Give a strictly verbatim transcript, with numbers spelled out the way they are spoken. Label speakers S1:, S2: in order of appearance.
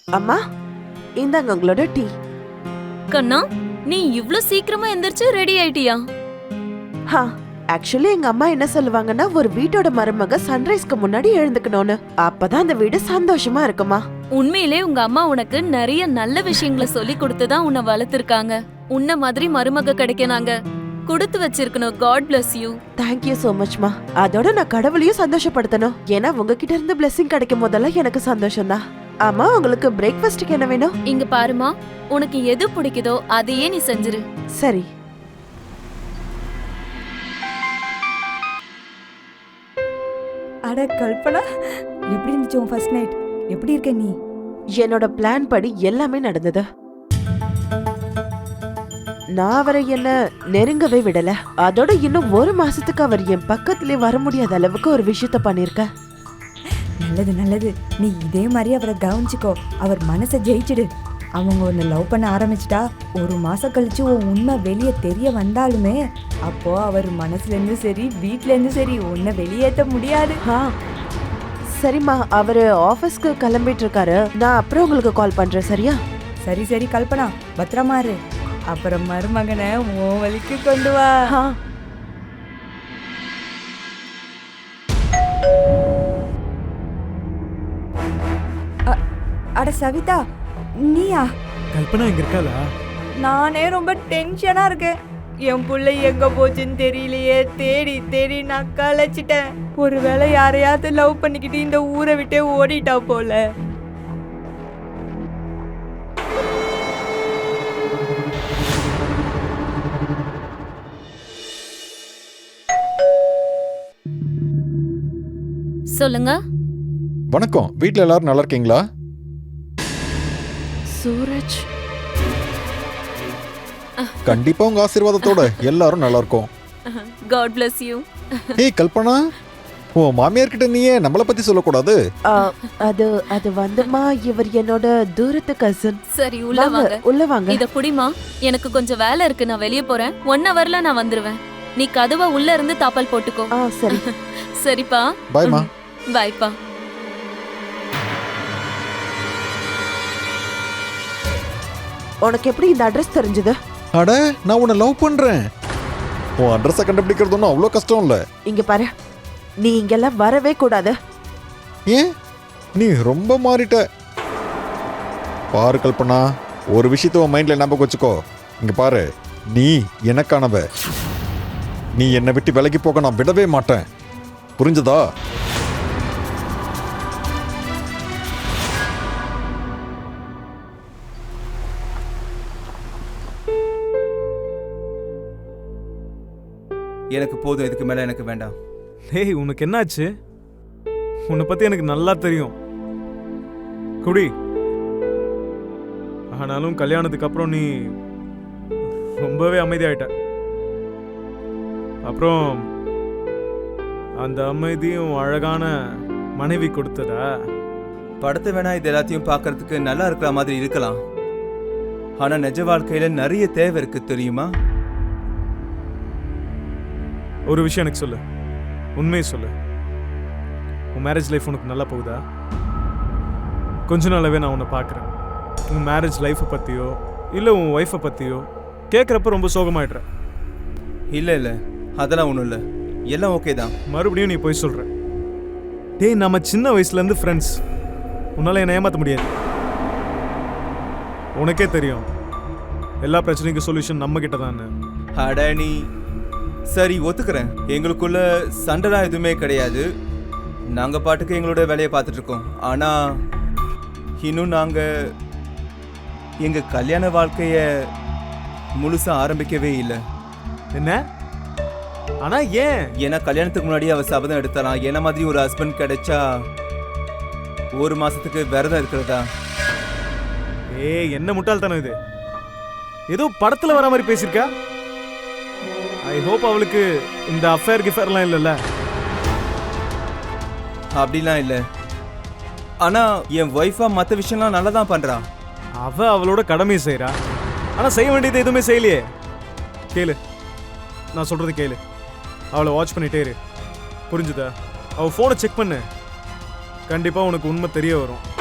S1: அம்மா, இந்தாங்க உங்களோட டீ.
S2: கண்ணா, நீ இவ்ளோ சீக்கிரமா எந்திரிச்சு ரெடி ஆயிட்டியா?
S1: ஹா, ஆக்சுவலி எங்க அம்மா என்ன சொல்லுவாங்கன்னா, ஒரு வீட்டோட மருமக சன்ரைஸ்க்கு முன்னாடி எழுந்துக்கணும்னு. அப்பதான் அந்த வீடு சந்தோஷமா இருக்குமா.
S2: உண்மையிலே உங்க அம்மா உனக்கு நிறைய நல்ல விஷயங்களை சொல்லி கொடுத்துதான் உன்னை வளர்த்திருக்காங்க. உன்ன மாதிரி மருமக கிடைக்க நாங்க கொடுத்து வச்சிருக்கணும். God bless you.
S1: Thank you so much மா. அதோட நான் கடவுளையும் சந்தோஷப்படுத்தணும். ஏன்னா உங்ககிட்ட இருந்து பிளெஸிங் கிடைக்கும் போதெல்லாம் எனக்கு சந்தோஷம் தான். ஆமா, உங்களுக்கு பிரேக்ஃபாஸ்ட்க்கு என்ன வேணும்?
S2: இங்க பாருமா, உனக்கு எது பிடிக்குதோ அதையே நீ செஞ்சிரு.
S1: சரி.
S3: அட கல்பனா, எப்படி இருந்துச்சு உன் ஃபர்ஸ்ட் நைட்? எப்படி இருக்க நீ?
S1: என்னோட பிளான் படி எல்லாமே நடந்தது. நான் அவரை என்ன நெருங்கவே விடல. அதோட இன்னும் ஒரு மாசத்துக்கு அவர் என் பக்கத்திலே வர முடியாத அளவுக்கு ஒரு விஷயத்த பண்ணிருக்க.
S3: நல்லது நல்லது. நீ இதே மாதிரி அவரை கவனிச்சுக்கோ. அவர் மனசை ஜெயிச்சிடு. அவங்க ஒன்று லவ் பண்ண ஆரம்பிச்சிட்டா ஒரு மாசம் கழிச்சு உன் உண்மை வெளியே தெரிய வந்தாலுமே அப்போ அவர் மனசுல இருந்து சரி வீட்ல இருந்து சரி உன்னை வெளியேற்ற முடியாது.
S1: ஆ சரிம்மா, அவரு ஆபீஸ்க்கு கிளம்பிட்டு இருக்காரு. நான் அப்புறம் உங்களுக்கு கால் பண்றேன், சரியா?
S3: சரி சரி கல்பனா, பத்திரமா இரு. அப்புறம் மருமகனை உன் வழிக்கு கொண்டு வா.
S1: ஆ.
S3: அட சவிதா, நீயா?
S4: கல்பனா இங்க இருக்காளா?
S3: நானே ரொம்ப டென்ஷனா இருக்கேன். என் பிள்ளை எங்க போச்சுன்னு தெரியலையே. தேடி தேடி நான் களைச்சிட்டேன். ஒருவேளை யாரையாவது லவ் பண்ணிக்கிட்டு இந்த ஊரை விட்டே ஓடிட்டா போல.
S2: சொல்லுங்க.
S5: வணக்கம். வீட்ல எல்லாரும் நல்லா இருக்கீங்களா?
S1: சூரஜ்,
S5: கண்டிப்பா உங்க ஆசீர்வாதத்தோட எல்லாரும் நல்லா இருக்கோம்.
S2: God bless you.
S5: ஏய் கல்பனா, உன் மாமியார் கிட்ட நீயே நம்மள பத்தி சொல்லக்கூடாது.
S1: ஆ, அது அது வந்துமா, இவர் என்னோட தூரத்து கசின்.
S2: சரி, உள்ள வாங்க.
S1: உள்ள வாங்க.
S2: இத புடிமா, எனக்கு கொஞ்சம் வேலை இருக்கு. நான் வெளியே போறேன். ஒன் ஹவர்ல நான் வந்துருவேன். நீ கதவை உள்ள இருந்து தாப்பால் போட்டுக்கோ.
S1: ஆ சரி.
S2: சரிப்பா.
S5: பாய்மா.
S2: பாய்ப்பா.
S1: உனக்கு எப்படி இந்த அட்ரஸ் தெரிஞ்சது?
S5: அட, நான் உன்னை லவ் பண்றேன். உன் அட்ரஸை கண்டுபிடிக்கிறது ஒன்றும் அவ்வளோ கஷ்டம் இல்லை.
S1: இங்க பாரு, நீ இங்கெல்லாம் வரவே கூடாது.
S5: ஏன்? நீ ரொம்ப மாறிட்ட. பாரு கல்பனா, ஒரு விஷயத்த உன் மைண்ட்ல ஞாபகம் வச்சுக்கோ. இங்க பாரு, நீ எனக்கானவ. நீ என்னை விட்டு விலகி போக நான் விடவே மாட்டேன். புரிஞ்சதா?
S6: எனக்கு போதும். இதுக்கு மேல எனக்கு வேண்டாம்.
S4: டேய், உனக்கு என்னாச்சு? உன்னை பத்தி எனக்கு நல்லா தெரியும். குடி. ஆனாலும் கல்யாணத்துக்கு அப்புறம் நீ ரொம்பவே அமைதியாயிட்ட. அப்புறம் அந்த அமைதியும் அழகான மனைவி கொடுத்ததா?
S6: படத்தை வேணா இது எல்லாத்தையும் பார்க்கறதுக்கு நல்லா இருக்கிற மாதிரி இருக்கலாம். ஆனா நிஜ வாழ்க்கையில நிறைய தேவை இருக்கு, தெரியுமா?
S4: ஒரு விஷயம் எனக்கு சொல்லு, உண்மையை சொல்லு. உன் மேரேஜ் லைஃப் உனக்கு நல்லா போகுதா? கொஞ்ச நாளாவே நான் உன்னை பார்க்குறேன். உன் மேரேஜ் லைஃப்பை பற்றியோ இல்லை உன் ஒய்ஃபை பற்றியோ கேட்குறப்ப ரொம்ப சோகமாயிடுற.
S6: இல்லை இல்லை, அதெல்லாம் ஒன்றும் இல்லை. எல்லாம் ஓகே தான்.
S4: மறுபடியும் நீ போய் சொல்கிற. டேய், நம்ம சின்ன வயசுலேருந்து ஃப்ரெண்ட்ஸ். உன்னால் என்னை ஏமாற்ற முடியாது. உனக்கே தெரியும் எல்லா பிரச்சனைக்கும் சொல்யூஷன் நம்ம கிட்ட தான்.
S6: அட நீ சரி, ஒத்துக்கிறேன். எங்களுக்குள்ள சண்டைலாம் எதுவுமே கிடையாது. நாங்கள் பாட்டுக்கு எங்களோட வேலையை பார்த்துட்டு இருக்கோம். ஆனால் இன்னும் நாங்கள் எங்கள் கல்யாண வாழ்க்கையை முழுசாக ஆரம்பிக்கவே இல்லை.
S4: என்ன? ஆனால் ஏன்?
S6: ஏன்னா கல்யாணத்துக்கு முன்னாடி அவள் சபதம் எடுத்தலாம். என்ன மாதிரி ஒரு ஹஸ்பண்ட் கிடைச்சா ஒரு மாதத்துக்கு விரதம் இருக்கிறதா.
S4: ஏ, என்ன முட்டாள்தானே இது? ஏதோ படத்தில் வர மாதிரி பேசியிருக்கா. ஐ ஹோப் அவளுக்கு இந்த அஃபேர் கிஃபேர்லாம் இல்லைல்ல?
S6: அப்படிலாம் இல்லை. ஆனால் என் ஒய்ஃபா மற்ற விஷயம்லாம் நல்லா தான் பண்ணுறான்.
S4: அவள் அவளோட கடமையை செய்கிறா. ஆனால் செய்ய வேண்டியது எதுவுமே செய்யலையே. கேளு, நான் சொல்கிறது கேளு. அவளை வாட்ச் பண்ணிட்டே இரு. புரிஞ்சுதா? அவள் ஃபோனை செக் பண்ணு. கண்டிப்பாக உனக்கு உண்மை தெரிய வரும்.